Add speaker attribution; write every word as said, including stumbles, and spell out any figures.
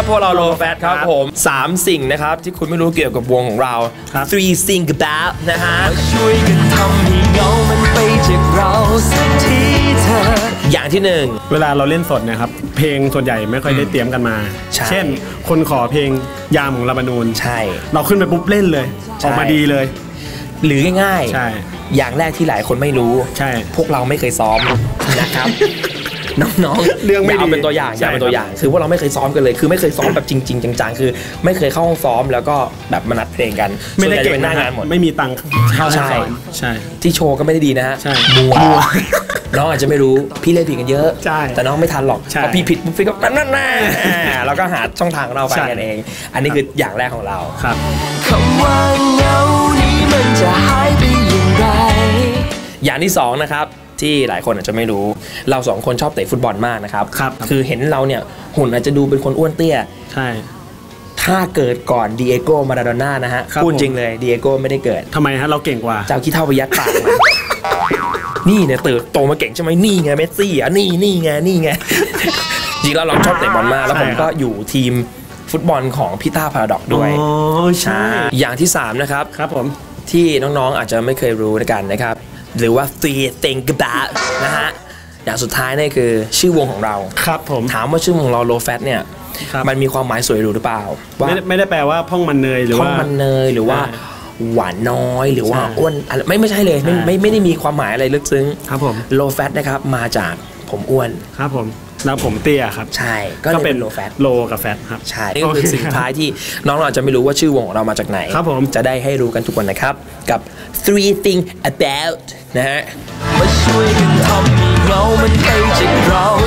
Speaker 1: พวกเรา Low Fat ครับผมสามสิ่งนะครับที่คุณไม่รู้เกี่ยวกับวงของเรา three things about นะฮะช่วยกันทำให้เงามันไปจากเราสักทีเธออย่างที่หนึ่ง
Speaker 2: เวลาเราเล่นสดนะครับเพลงส่วนใหญ่ไม่ค่อยได้เตรียมกันมาเช่นคนขอเพลงยามของลาบานูนใช่เราขึ้นไปปุ๊บเล่นเลยออกมาดีเลย
Speaker 1: หรือง่ายๆใช่อย่างแรกที่หลายคนไม่รู้ใช่พวกเราไม่เคยซ้อมนะครับน้องๆเรื่องไม่ดีเอาเป็นตัวอย่างอย่าเป็นตัวอย่างคือพวกเราไม่เคยซ้อมกันเลยคือไม่เคยซ้อมแบบจริงๆจังๆคือไม่เคยเข้าห้องซ้อมแล้วก็แบบมานัดเพลงกัน
Speaker 2: ไม่ได้เก่งหน้างานหมดไม่มีตังค์เข้าซ้อมใช่
Speaker 1: ที่โชว์ก็ไม่ได้ดีนะฮะมัวน้องอาจจะไม่รู้พี่เล่นผิดกันเยอะแต่น้องไม่ทันหรอกพอพี่ผิดพี่ก็นั่นนั่นแล้วก็หาช่องทางเราไปกันเองอันนี้คืออย่างแรกของเราครับคำว่าเงานี้มันจะหายไปอย่างไรอย่างที่สองนะครับที่หลายคนอาจจะไม่รู้เราสองคนชอบเตะฟุตบอลมากนะครับครับคือเห็นเราเนี่ยหุ่นอาจจะดูเป็นคนอ้วนเตี้ยใช่ถ้าเกิดก่อนดิเอโก้มาราโดน่านะฮะพูดจริงเลยดิเอโก้ไม่ได้เกิด
Speaker 2: ทำไมฮะเราเก่งกว่า
Speaker 1: เจ้าขี้เท่าไปยัดปากมานี่เนี่ยเติบโตมาเก่งใช่ไหมนี่ไงเมสซี่อ่ะนี่นี่ไงนี่ไงจริงแล้วเราชอบเตะบอลมากแล้วผมก็อยู่ทีมฟุตบอลของพี่ต้าพาราดอกด้วยอ๋อใช่อย่างที่สามนะครับครับผมที่น้องๆอาจจะไม่เคยรู้กันนะครับหรือว่า three things about นะฮะอย่างสุดท้ายนี่คือชื่อวงของเราครับผมถามว่าชื่อวงของเรา Low Fat เนี่ยมันมีความหมายสวยหรูหรือเปล่าว่า
Speaker 2: ไม่ได้แปลว่าพ่องมันเนยหรือว่า
Speaker 1: พ่องมันเนยหรือว่าหวานน้อยหรือว่าอ้วนอะไรไม่ไม่ใช่เลยไม่ไม่ไม่ได้มีความหมายอะไรลึกซึ้งครับผม Low Fat นะครับมาจากผมอ้วน
Speaker 2: ครับผมแล้วผมเตี้ยครับ
Speaker 1: ใช่ก็เป็น Low Fat
Speaker 2: โลกับแฟตครับ
Speaker 1: ใช่นี่ก็คือสิ่งท้ายที่น้องเราอาจจะไม่รู้ว่าชื่อวงของเรามาจากไหนครับผมจะได้ให้รู้กันทุกคนนะครับกับ three things about นะฮะมาช่วยกันทำให้เงามันไปจากเรา